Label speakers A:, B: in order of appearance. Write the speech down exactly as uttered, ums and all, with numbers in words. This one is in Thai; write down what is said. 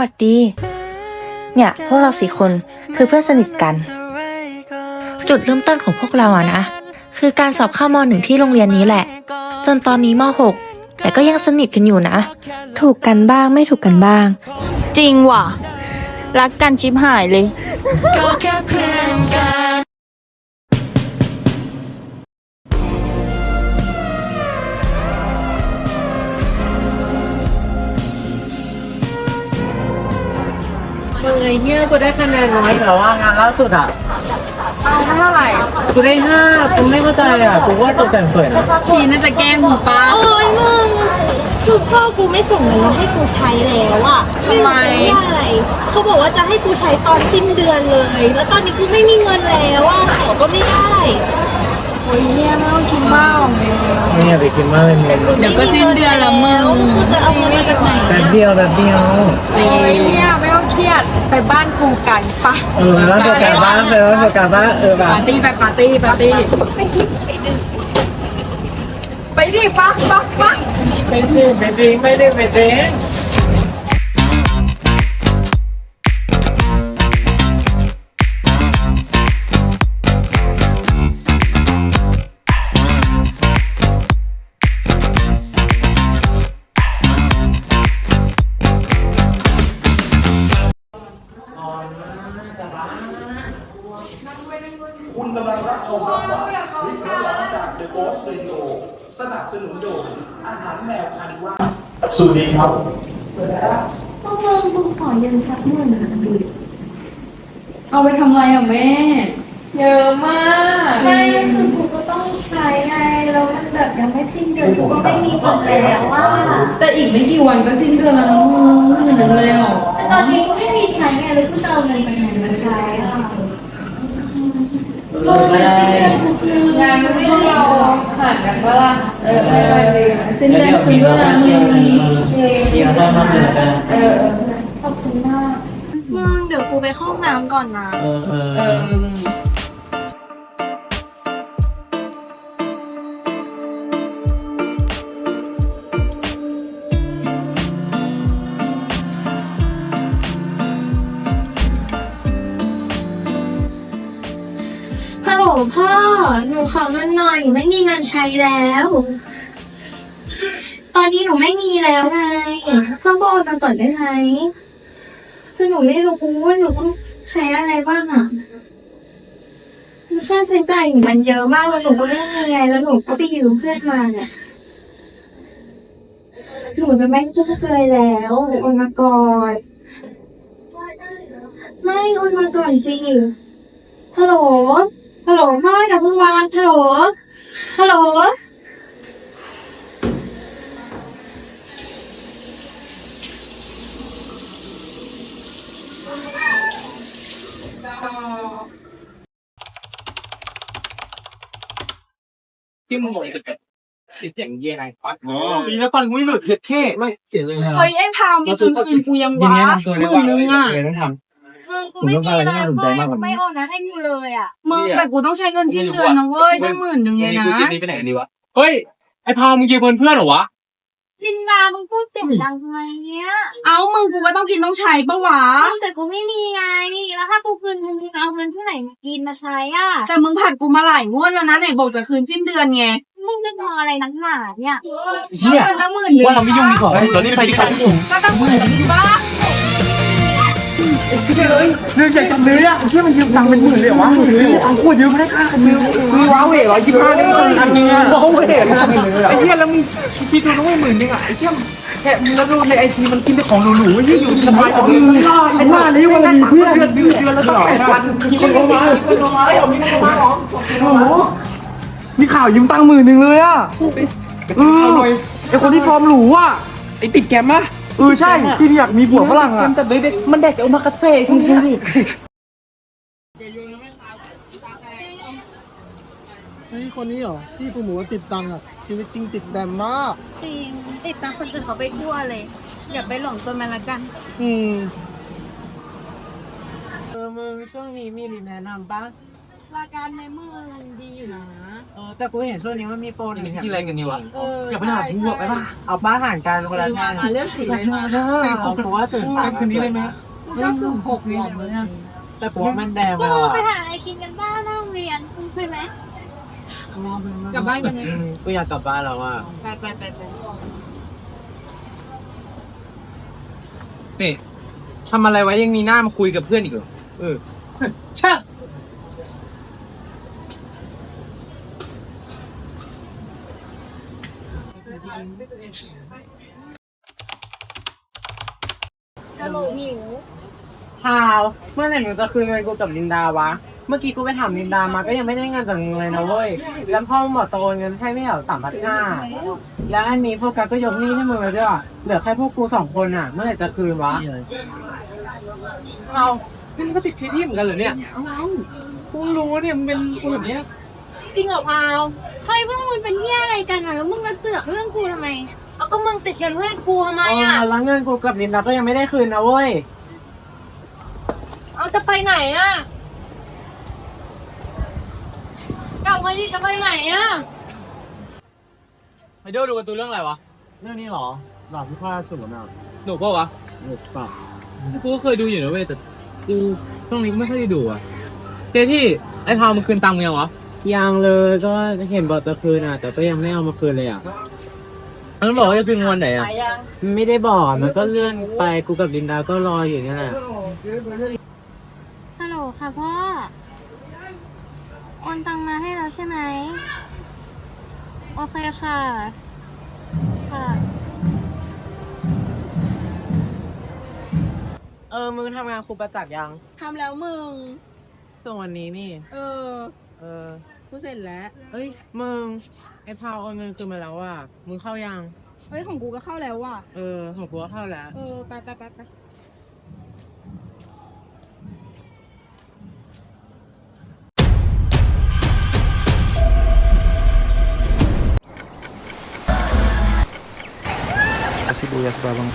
A: วัสดีเนี่ยพวกเราสี่คนคือเพื่อนสนิทกันจุดเริ่มต้นของพวกเราอะนะคือการสอบเข้ามหนึ่งที่โรงเรียนนี้แหละจนตอนนี้มหกแต่ก็ยังสนิทกันอยู่นะถูกกันบ้างไม่ถูกกันบ้าง
B: จริงว่ะรักกันชิบหายเลย
C: มึงไอ้เนี่ยกูได้คะแนนน้อยแต่ว่างานล่าสุดอ่ะ
B: เอาเท่าไหร่
C: กูได้ห้ากูไม่เข้าใจอ่ะกูว่าตกแต่งสวยนะ
B: ชีน่าจะแกล้งมึงปะ
D: โอ้ยมึงคือพ่อกูไม่ส่งเงินมาให้กูใช้แล้วอะไม่รู้ว่าอะไรเขาบอกว่าจะให้กูใช้ตอนสิ้นเดือนเลย แล้วตอนนี้กูไม่มีเงินแล้วอะขอก็ไม่ได้
B: โอ้ยเนี่ยไม่ต้องคิดมากหรอกเมย์
C: ไม่อยากไปคิดมากเลยมึง
B: เดี๋ยวก็สิ้นเดือนแล้วมึง
D: กูจะเอาเงินมาจากไหน
C: แป๊บเดียวแป๊บเดียว
B: โอ้ยเนี่ยไม่ต้องเครียดไปบ้านกูกันปะ
C: เออแล้วเดี๋ยวกลับบ้านไปแล้วเดี๋ยวกลับบ้านเออแบบ
B: ปาร์ตี้ไปปาร์ตี้ปาร์ตี้ไปดิปะปะปะ
C: ไปดิไปดิไปดิไปดิ
E: คุณกำลังรับชมละครคลิปเรื่องราวจาก The Ghost Radio สนับสนุนโดยอาหารแมวคานิว่าสวัสดีครับ
D: พวกมึงกูขอยืมสักหมื่นนะดิ
B: เอาไปทำอะไรอ่ะแม่เยอะมาก
D: ไม่คือกูก็ต้องใช้ไงแล้วมันแบบยังไม่สิ้นเดือนกูก็ไม่มีเงินแล้วว่า
B: แต่อีกไม่กี่วันก็สิ้นเดือนแล้วนะมึงหมื่นหนึ่งเลยอ่ะ
D: แต่ตอนนี้กูไม่มีใช้ไงเลยกูจะเอาเงินไปไหนมาใช้อ่ะ
B: ไม่ได้งานพวกเราผ่านกันปะล่ะเออเออสิ้นเดือนคืนด้วยนะมึง
C: เดี๋ยวได้มาเดือนกัน
B: เออ
D: ขอบคุณมากมึงเดี๋ยวกูไปเข้าห้องน้ำก่อนนะ
C: เออเออ
B: เออ
D: ฮัลโหลพ่อหนูขอเงินหน่อยหนูไม่มีเงินใช้แล้วตอนนี้หนูไม่มีแล้วไงพ่อก็โอนมาก่อนได้ไหมคือหนูไม่รู้ว่าหนูต้องใช้อะไรบ้างอ่ะค่าใช้จ่ายหนูมันเยอะมากแล้วหนูก็ไม่มีไงแล้วหนูก็ไปยืมเพื่อนมาเนี่ยหนูจะไม่พูดเลยแล้วโอนมาก่อนไม่โอนมาก่อนสิฮัลโหลฮัลโหลพ่ออย่าเพิ่งวางฮัลโหลฮัลโหล
C: ที่มึงบอกสึกอะติดอย่างเย่ไงปัดอ๋อดีนะปันไม่หลุดเท่ไม่เขียนเลย
B: เฮ้ยไอ้พาวมีคืนคืนกูยังวะหมื่นนึงอ่ะ
C: ต้องทำ
D: มึงกูไม่มีเลยเว้ยกูไม่โอนนะให้กูเลยอ่ะ
B: มึงแต่กูต้องใช้เงินสิ้นเดือนนะเว้ยตั้งหมื่นนึงเลยนะ
C: กูกินนี้ไปไหนกันดีวะเฮ้ยไอ้พาวมึงยืมเงินเพื่อนเหรอวะ
D: ลินดามึงพูดเสียงดังทำไมเนี้ย
B: เอ้ามึงกูก็ต้องกินต้องใช้ปะวะ
D: แต่กูไม่มีไงแล้วถ้ากูคืนมึงเอาเงินที่ไหนมากินมาใช้อ่ะ
B: แต่มึงผัดกูมาหลายงวดแล้วนะไหนบอกจะคืนสิ้นเดือนไง
D: มึงจะทำอะไรนักหนาเนี่ย
C: เชี่ยว่าเราไม่ยุ่งดีกว่าเรารีบไปดีกว่า
B: ก็ต้องหมื่นบ้า
C: พี่เอ้ยเรื่องใหญ่จังเลยอ่ะเชี่ยมันยืมตังค์เป็นหมื่นเลยเหรอวะเอาขวดยืมไม่ได้ค่ากันซื้อซื้อว้าเว่ร้อยยี่สิบห้านี่อันนึงอ่ะว้าเว่ไอ้เชี่ยแล้วมึงคิดดูต้องไม่หมื่นนึงอ่ะไอ้เชี่ยแค่มึงแล้วดูในไอทีมันกินแต่ของหรูๆที่อยู่สบายกับมึงไอ้หน้านี้วันละเพื่อนเดือนเดือนเดือนแล้วต้องแปดพันมีคนโทรมามีคนโทรมาไอ้ผมมีคนโทรมาหรอโอ้โหมีข่าวยืมตังค์หมื่นหนึ่งเลยอ่ะเออไอ้คนที่ฟอร์มหรูอ่ะไอ้ติดแกมมะเออใช่ที่อยากมีผัวฝรั่งอ่ะแต่เด็กมันเด็กเอามากระเซ่ช่วงนี้ดิ
F: เฮ้ยคนนี้เหรอที่ผู้หมูติดตังอ่ะชีวิตจริงติดแบมมาก
D: จริงติดตามคนอื่นเขาไปทั่วเลยอย่าไปหลงตัวมันละกัน
F: อืมเออมึงช่วงนี้มีรีแนะนำปะ
D: รายการในเมืองดีอยู่นะ
F: เออแต่กูเห็นช่วงนี้มันมีโปรหนึ่ง
C: ที่อะไรกันนี่วะ
D: เออ
C: อย่าไปหาทั่วไปป่ะ
F: เอาป้าห่างกันคนละงาน
B: เลือกสีเลยมา
F: เอากูว่าสื่อ
C: ไปคืนนี้เลยไหม
B: กูชอบสูงหกหลอมเลยนะ
F: แต่กูว่ามันแดง
D: พ
F: ไป
D: วก
F: แล้ว
D: มึงไป
F: อะ
D: หาอะไรกินกันบ้างนอกโรงเรียนมึงเคยไหม
B: กลับบ้านกันไหม
F: อืมกูอยากกลับบ้านแล้วอ่ะ
B: ไปไปไปไป
C: นี่ทำอะไรไว้ยังมีหน้ามาคุยกับเพื่อนอีกเหรอเออใช่
D: ฮัลโหลหมิว
F: พาวเมื่อไหร่หนูจะคืนเงินกูกับลินดาวะ เมื่อกี้กูไปถามลินดามาก็ยังไม่ได้เงินจากมึงเลยนะเว้ย แล้วพ่อหมอโตเงินให้ไม่เหรอสามพันห้าแล้วอันนี้โฟกัสก็ยกหนี้ให้มึงเลยด้วยเหลือแค่พวกกูสองคนอ่ะ เมื่อไหร่จะคืนวะเอาซึ่งก็ติดที่ที่เหมือนกันเหรอเนี่ยกูรู้เนี่ยมึงเป็นกูแบบเนี้ย
D: จริงเหรอพาวเฮ้ยพวกมึงเป็นเหี้ยอะไรกันอ่ะแล้วมึงมาเสือกเรื่องกูทำไมเอาก็มึงติดเงินเพื่อนกูทำไม
F: เอ
D: อ่ะ
F: อแล้วเงินกูกับลินดาก็ยังไม่ได้คืนนะเว้ย
D: เอาจะไปไหนอ่ะกลับมาดิจะไปไหนอ่ะ
C: ไอเดลดูการ์ตูนเรื่องอะไรวะ
F: เรื่องนี้เหรอหลอดที่พ่อสูงอ่ะ
C: หนุกปะวะ
F: หนุกสับ
C: กูก็เคยดูอยู่นะเว้ยแต่กูช่วงนี้ไม่ค่อยได้ดูอ่ะเจที่ไอ้พาวมันคืนตังค์มึงยังวะ
F: ยังเลยก็เห็นบอกจะคืนอ่ะ แต่ก็ยังไม่เอามาคืนเลยอ่ะ
C: มันบอกว่าจะคืนวันไหนอ่ะ
F: ไม่ได้บอกมันก็เลื่อนไปกูกับลินดาก็รออยู่เนี่ยแหละ
D: ฮัลโหลค่ะพ่อโอนตังมาให้แล้วใช่ไหมโอเคค่ะค่ะ
F: เออมึงทำงานครูประจักษ์ยัง
B: ทำแล้วมึง
F: ส่วนวันนี้นี่
B: เออ
F: เออ
B: กูเสร็จแล้ว
F: เฮ้ยมึงไอ้พาวโอนเงินคืนมาแล้วอ่ะมึงเข้ายัง
B: เฮ้ยของกูก็เข้าแล้วว่ะ
F: เออของกูก็เข้าแล้ว
B: เออไปไปไปไป
G: Kasih bu ya sebabang.